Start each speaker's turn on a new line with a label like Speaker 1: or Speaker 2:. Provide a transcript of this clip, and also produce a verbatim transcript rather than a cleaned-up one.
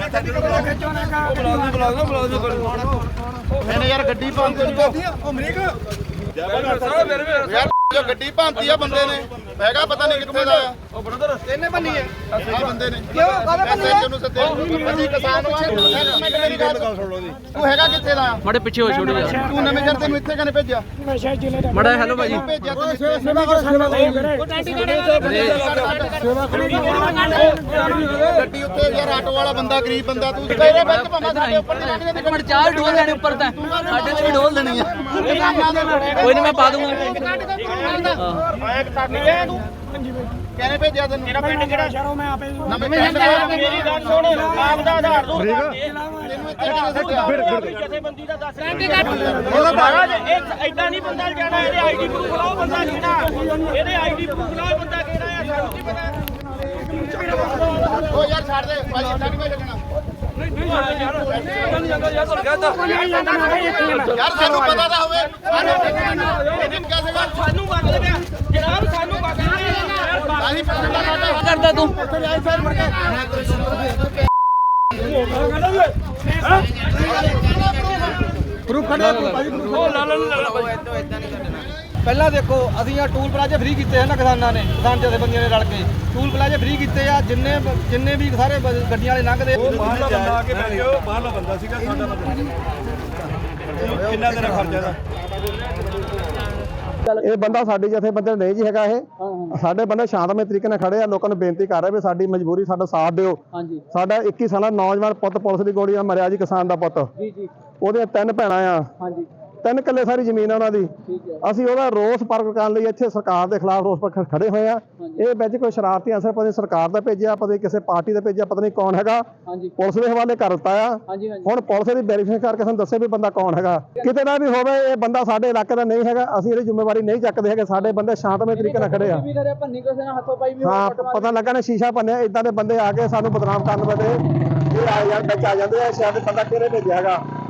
Speaker 1: मैंने यार गड्डी भांती जो गड्डी भांती है बंदे ने हैगा पता नहीं कितने दा ओ ब्रदर किन्ने बन्नी है आ बंदे ने क्यों कादे बन्नी है तैਨੂੰ सੱਦੇ ਅਸੀਂ ਕਿਸਾਨ ਵਾਂ ਮੇਰੀ ਗੱਲ ਸੁਣ ਲਓ ਜੀ ਤੂੰ ਹੈਗਾ ਕਿੱਥੇ ਦਾ
Speaker 2: ਮੜੇ ਪਿੱਛੇ ਹੋ ਛੋੜੋ ਯਾਰ
Speaker 1: ਤੂੰ ਨਵੇਂ ਸ਼ਹਿਰ ਤੈਨੂੰ ਇੱਥੇ ਕਨੇ ਭੇਜਿਆ
Speaker 3: ਨਸ਼ਾ ਜ਼ਿਲ੍ਹੇ ਦਾ
Speaker 2: ਮੜਾ ਹੈਲੋ ਭਾਜੀ
Speaker 1: ਭੇਜਿਆ ਤੈਨੂੰ
Speaker 3: ਸੇਵਾ ਕਰ ਸੇਵਾ ਕਰ ਟੈਂਟੀ ਸੇਵਾ
Speaker 1: ਗੱਡੀ ਉੱਤੇ ਯਾਰ ਆਟੋ ਵਾਲਾ ਬੰਦਾ ਗਰੀਬ ਬੰਦਾ ਤੂੰ ਤੇਰੇ ਵਿੱਚ ਭਾਵੇਂ ਸਾਡੇ ਉੱਪਰ ਦੀ ਲੰਘ
Speaker 2: ਇੱਕ ਮਿੰਟ ਚਾਰ ਢੋਲ ਲੈਣੇ ਉੱਪਰ ਤਾਂ ਸਾਡੇ ਤੇ ਵੀ ਢੋਲ ਲੈਣੀ ਆ ਕੋਈ ਨਹੀਂ ਮੈਂ ਪਾ ਦੂੰਗਾ
Speaker 1: ਆਇਆ ਕੱਟ ਗਿਆ ਤੂੰ ਕਿਹਨੇ ਭੇਜਿਆ ਤੈਨੂੰ
Speaker 3: ਮੇਰਾ ਪਿੰਡ ਕਿਹੜਾ ਸ਼ਹਿਰੋਂ ਮੈਂ ਆਪੇ
Speaker 1: ਨਵੇਂ ਸ਼ਹਿਰ
Speaker 3: ਮੇਰੀ ਗੱਲ ਸੁਣ ਆਪ ਦਾ ਆਧਾਰ ਦੋ
Speaker 1: ਤੈਨੂੰ ਇੱਥੇ ਕਿਹਨੇ ਸੱਦਿਆ
Speaker 3: ਜਥੇਬੰਦੀ ਦਾ ਦੱਸ ਰੈਂਟੀ ਕੱਟ ਉਹ ਮਹਾਰਾਜ ਇਹ ਐਡਾ ਨਹੀਂ ਬੰਦਾ ਜਾਣਾ ਇਹਦੇ ਆਈਡੀ ਪ੍ਰੂਫ ਲਾਓ ਬੰਦਾ ਕਿਹੜਾ ਇਹਦੇ ਆਈਡੀ ਪ੍ਰੂਫ ਲਾਓ ਬੰਦਾ ਕਿਹੜਾ ਆ ਸਾਨੂੰ ਕੀ ਪਤਾ
Speaker 1: ਉਹ ਯਾਰ ਛੱਡ ਦੇ ਭਾਈ ਇੱਥੇ ਨਹੀਂ ਭੇਜਣਾ ਯਾਰ ਸਾਨੂੰ ਪਤਾ ਤਾਂ ਹੋਵੇ ਇਹਨੇ ਕਿਹਾ ਸੀਗਾ
Speaker 3: ਸਾਨੂੰ ਮੰਗ ਲਿਆ ਜਨਾਬ ਸਾਨੂੰ ਮੰਗ ਲਿਆ
Speaker 1: ਆਹੀ ਪਤਾ
Speaker 2: ਕਰਦਾ ਤੂੰ
Speaker 4: ਪਹਿਲਾਂ ਦੇਖੋ ਅਸੀਂ ਆ ਟੂਲ ਪਲਾਜ਼ੇ ਫ੍ਰੀ ਕੀਤੇ ਹਨ ਕਿਸਾਨਾਂ ਨੇ ਕਿਸਾਨ ਜਥੇਬੰਦੀਆਂ ਨੇ ਰਲ ਕੇ ਟੂਲ ਪਲਾਜ਼ੇ ਫ੍ਰੀ ਕੀਤੇ ਆ ਜਿੰਨੇ ਜਿੰਨੇ ਵੀ ਸਾਰੇ ਗੱਡੀਆਂ ਵਾਲੇ ਲੰਘਦੇ
Speaker 5: ਉਹ ਬਾਹਰਲਾ ਬੰਦਾ ਆ ਕੇ ਬੈਠਿਓ ਬਾਹਰਲਾ ਬੰਦਾ ਸੀਗਾ ਸਾਡਾ ਬੰਦਾ ਕਿੰਨਾ ਤੇਰਾ ਖਰਚਾ ਦਾ
Speaker 6: ਇਹ ਬੰਦਾ ਸਾਡੀ ਜਥੇਬੰਦੀ ਨਹੀਂ ਜੀ ਹੈਗਾ ਇਹ ਸਾਡੇ ਬੰਦੇ ਸ਼ਾਂਤਮਈ ਤਰੀਕੇ ਨਾਲ ਖੜੇ ਆ ਲੋਕਾਂ ਨੂੰ ਬੇਨਤੀ ਕਰ ਰਹੇ ਵੀ ਸਾਡੀ ਮਜਬੂਰੀ ਸਾਡਾ ਸਾਥ ਦਿਓ
Speaker 2: ਹਾਂਜੀ
Speaker 6: ਸਾਡਾ ਇੱਕੀ ਸਾਲਾ ਨੌਜਵਾਨ ਪੁੱਤ ਪੁਲਿਸ ਦੀ ਗੋਲੀ ਨਾਲ ਮਰਿਆ ਜੀ ਕਿਸਾਨ ਦਾ ਪੁੱਤ
Speaker 2: ਜੀ ਜੀ
Speaker 6: ਉਹਦੇ ਤਿੰਨ ਭੈਣਾਂ ਆ
Speaker 2: ਹਾਂਜੀ
Speaker 6: ਤਿੰਨ ਕਿੱਲੇ ਸਾਰੀ ਜ਼ਮੀਨ ਆ ਉਹਨਾਂ ਦੀ
Speaker 2: ਠੀਕ ਹੈ
Speaker 6: ਅਸੀਂ ਉਹਦਾ ਰੋਸ ਪ੍ਰਗਟ ਕਰਨ ਲਈ ਇੱਥੇ ਸਰਕਾਰ ਦੇ ਖਿਲਾਫ ਰੋਸ ਪ੍ਰਗਟ ਖੜੇ ਹੋਏ ਆ ਇਹ ਵਿੱਚ ਕੋਈ ਸ਼ਰਾਰਤੀ ਅਨਸਰ ਪਤਾ ਨਹੀਂ ਸਰਕਾਰ ਦਾ ਭੇਜਿਆ ਪਤਾ ਨਹੀਂ ਕਿਸੇ ਪਾਰਟੀ ਦਾ ਭੇਜਿਆ ਪਤਾ ਨਹੀਂ ਕੌਣ ਹੈਗਾ
Speaker 2: ਹਾਂਜੀ
Speaker 6: ਪੁਲਿਸ ਦੇ ਹਵਾਲੇ ਕਰ ਦਿੱਤਾ ਆ
Speaker 2: ਹਾਂਜੀ ਹਾਂਜੀ
Speaker 6: ਹੁਣ ਪੁਲਿਸ ਦੀ ਵੈਰੀਫਿਕੇਸ਼ਨ ਕਰਕੇ ਸਾਨੂੰ ਦੱਸੇ ਵੀ ਬੰਦਾ ਕੌਣ ਹੈਗਾ ਕਿਤੇ ਨਾ ਵੀ ਹੋਵੇ ਇਹ ਬੰਦਾ ਸਾਡੇ ਇਲਾਕੇ ਦਾ ਨਹੀਂ ਹੈਗਾ ਅਸੀਂ ਇਹਦੀ ਜ਼ਿੰਮੇਵਾਰੀ ਨਹੀਂ ਚੱਕਦੇ ਹੈਗੇ ਸਾਡੇ ਬੰਦੇ ਸ਼ਾਂਤਮਈ ਤਰੀਕੇ ਨਾਲ ਖੜੇ ਆ
Speaker 2: ਵੀ ਕਰਿਆ ਭੰਨੀ ਕਿਸੇ ਨਾਲ ਹੱਥੋਂ ਪਾਈ ਵੀ
Speaker 6: ਹਾਂ ਪਤਾ ਲੱਗਾ ਨੇ ਸ਼ੀਸ਼ਾ ਭੰਨਿਆ ਇਦਾਂ ਦੇ ਬੰਦੇ ਆ ਕੇ ਸਾਨੂੰ ਬਦਨਾਮ ਕਰਨ ਵਾਲੇ ਇਹ ਆ ਯਾਰ ਵਿੱਚ ਆ ਜਾਂਦੇ ਆ ਸ਼ਾਇਦ ਬੰਦਾ ਕਿਹੜੇ ਭੇਜਿਆ ਹੈਗਾ